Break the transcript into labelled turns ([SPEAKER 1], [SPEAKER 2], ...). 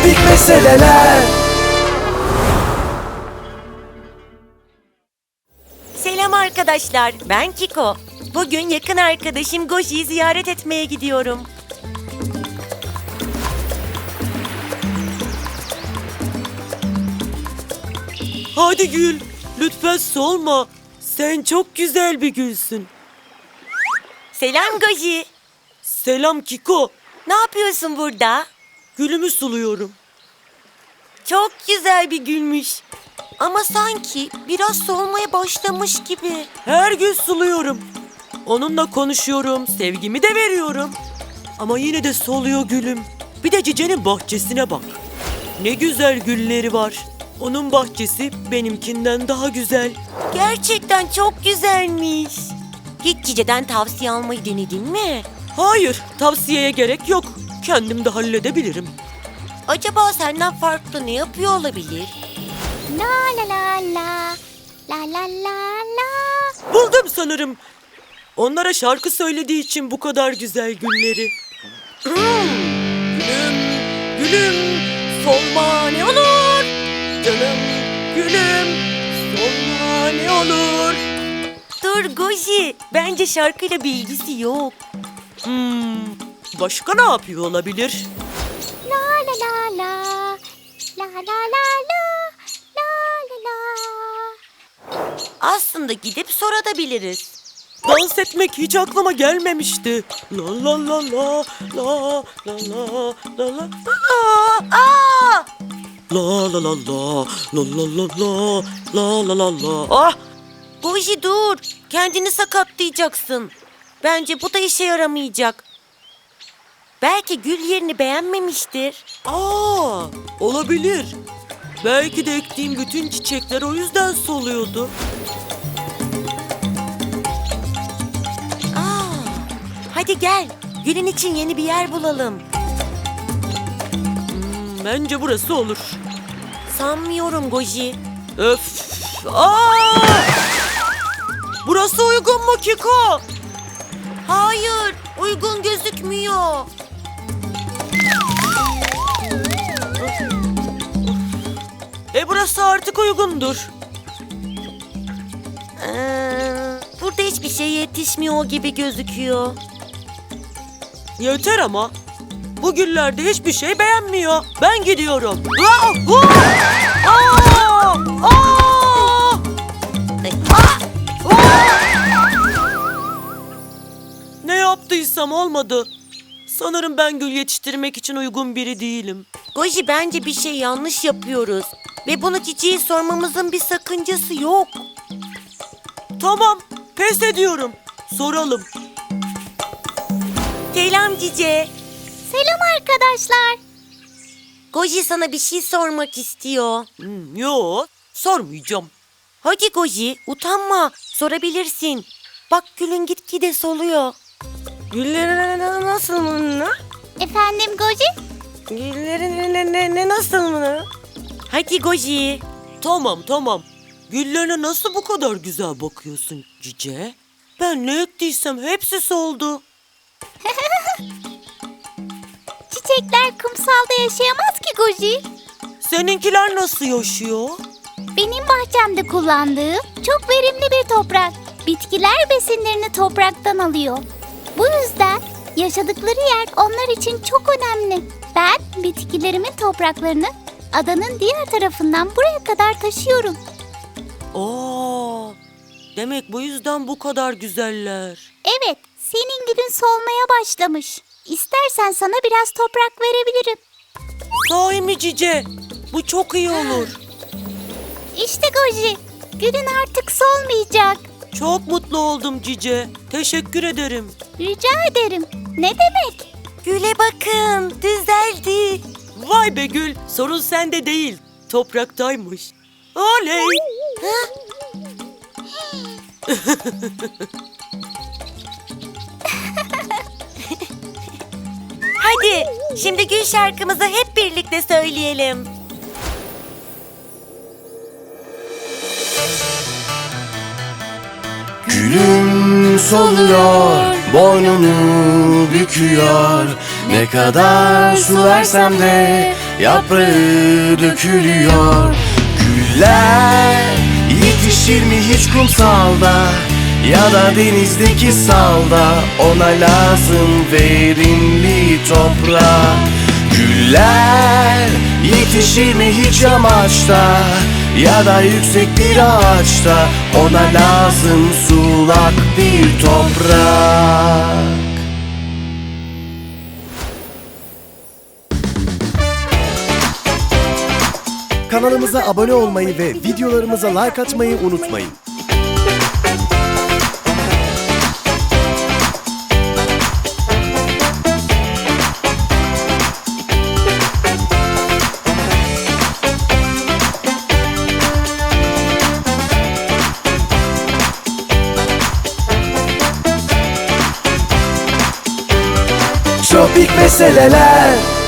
[SPEAKER 1] komik meseleler.
[SPEAKER 2] Selam arkadaşlar, ben Kiko. Bugün yakın arkadaşım Goji'yi ziyaret etmeye gidiyorum.
[SPEAKER 3] Hadi gül, lütfen solma. Sen çok güzel bir gülsün.
[SPEAKER 2] Selam Goji.
[SPEAKER 3] Selam Kiko.
[SPEAKER 2] Ne yapıyorsun burada?
[SPEAKER 3] Gülümü suluyorum.
[SPEAKER 2] Çok güzel bir gülmüş. Ama sanki biraz solmaya başlamış gibi.
[SPEAKER 3] Her gün suluyorum. Onunla konuşuyorum, sevgimi de veriyorum. Ama yine de soluyor gülüm. Bir de Cice'nin bahçesine bak. Ne güzel gülleri var. Onun bahçesi benimkinden daha güzel.
[SPEAKER 2] Gerçekten çok güzelmiş. Hiç Cice'den tavsiye almayı denedin mi?
[SPEAKER 3] Hayır, tavsiyeye gerek yok. Kendim de halledebilirim.
[SPEAKER 2] Acaba senden farklı ne yapıyor olabilir?
[SPEAKER 4] La la la la, la la la la.
[SPEAKER 3] Buldum sanırım. Onlara şarkı söylediği için bu kadar güzel gülleri. Gülüm, gülüm, solma ne olur. Canım, gülüm, solma ne olur.
[SPEAKER 2] Dur Goji, bence şarkıyla bir ilgisi yok.
[SPEAKER 3] Başka ne yapıyor olabilir?
[SPEAKER 4] La la la la, la la la la, la la la.
[SPEAKER 2] Aslında gidip sorabiliriz.
[SPEAKER 3] Dans etmek hiç aklıma gelmemişti. La la la la, la la la la la.
[SPEAKER 2] Aa!
[SPEAKER 3] La la la la, la la la la, la la la la. Ah!
[SPEAKER 2] Goji dur, kendini sakatlayacaksın. Bence bu da işe yaramayacak. Belki gül yerini beğenmemiştir.
[SPEAKER 3] Olabilir. Belki de ektiğim bütün çiçekler o yüzden soluyordu.
[SPEAKER 2] Hadi gel, gülün için yeni bir yer bulalım.
[SPEAKER 3] Bence burası olur.
[SPEAKER 2] Sanmıyorum Goji.
[SPEAKER 3] Öf! Burası uygun mu Kiko?
[SPEAKER 2] Hayır, uygun gözükmüyor.
[SPEAKER 3] Burası artık uygundur.
[SPEAKER 2] Burada hiçbir şey yetişmiyor gibi gözüküyor.
[SPEAKER 3] Yeter ama. Bu güllerde hiçbir şey beğenmiyor. Ben gidiyorum. Ne yaptıysam olmadı. Sanırım ben gül yetiştirmek için uygun biri değilim.
[SPEAKER 2] Goji, bence bir şey yanlış yapıyoruz. Ve bunu Cici'ye sormamızın bir sakıncası yok.
[SPEAKER 3] Tamam, pes ediyorum. Soralım.
[SPEAKER 2] Selam Cici.
[SPEAKER 4] Selam arkadaşlar.
[SPEAKER 2] Goji sana bir şey sormak istiyor.
[SPEAKER 3] Yo, sormayacağım.
[SPEAKER 2] Hadi Goji, utanma. Sorabilirsin. Bak gülün gitgide soluyor.
[SPEAKER 3] Güllerin nasıl mı?
[SPEAKER 4] Efendim Goji?
[SPEAKER 3] Güllerin nasıl mı?
[SPEAKER 2] Hadi Goji.
[SPEAKER 3] Tamam. Güllerine nasıl bu kadar güzel bakıyorsun Cice? Ben ne ettiysem hepsi soldu.
[SPEAKER 4] Çiçekler kumsalda yaşayamaz ki Goji.
[SPEAKER 3] Seninkiler nasıl yaşıyor?
[SPEAKER 4] Benim bahçemde kullandığım çok verimli bir toprak. Bitkiler besinlerini topraktan alıyor. Bu yüzden yaşadıkları yer onlar için çok önemli. Ben bitkilerimin topraklarını adanın diğer tarafından buraya kadar taşıyorum.
[SPEAKER 3] Demek bu yüzden bu kadar güzeller.
[SPEAKER 4] Evet, senin gülün solmaya başlamış. İstersen sana biraz toprak verebilirim.
[SPEAKER 3] Sahi mi Cice? Bu çok iyi olur.
[SPEAKER 4] İşte Goji, gülün artık solmayacak.
[SPEAKER 3] Çok mutlu oldum Cice. Teşekkür ederim.
[SPEAKER 4] Rica ederim. Ne demek?
[SPEAKER 2] Güle bakın, düzeldi.
[SPEAKER 3] Vay be Gül, sorun sende değil. Topraktaymış. Oley!
[SPEAKER 2] Hadi, şimdi gül şarkımızı hep birlikte söyleyelim.
[SPEAKER 1] Gülüm soluyor, boynunu büküyor. Ne kadar su versem de yaprağı dökülüyor. Güller yetişir mi hiç kumsalda ya da denizdeki salda? Ona lazım verimli toprak. Güller yetişir mi hiç yamaçta ya da yüksek bir ağaçta? Ona lazım sulak bir toprak.
[SPEAKER 5] Kanalımıza abone olmayı ve videolarımıza like atmayı unutmayın.
[SPEAKER 1] Tropik meseleler.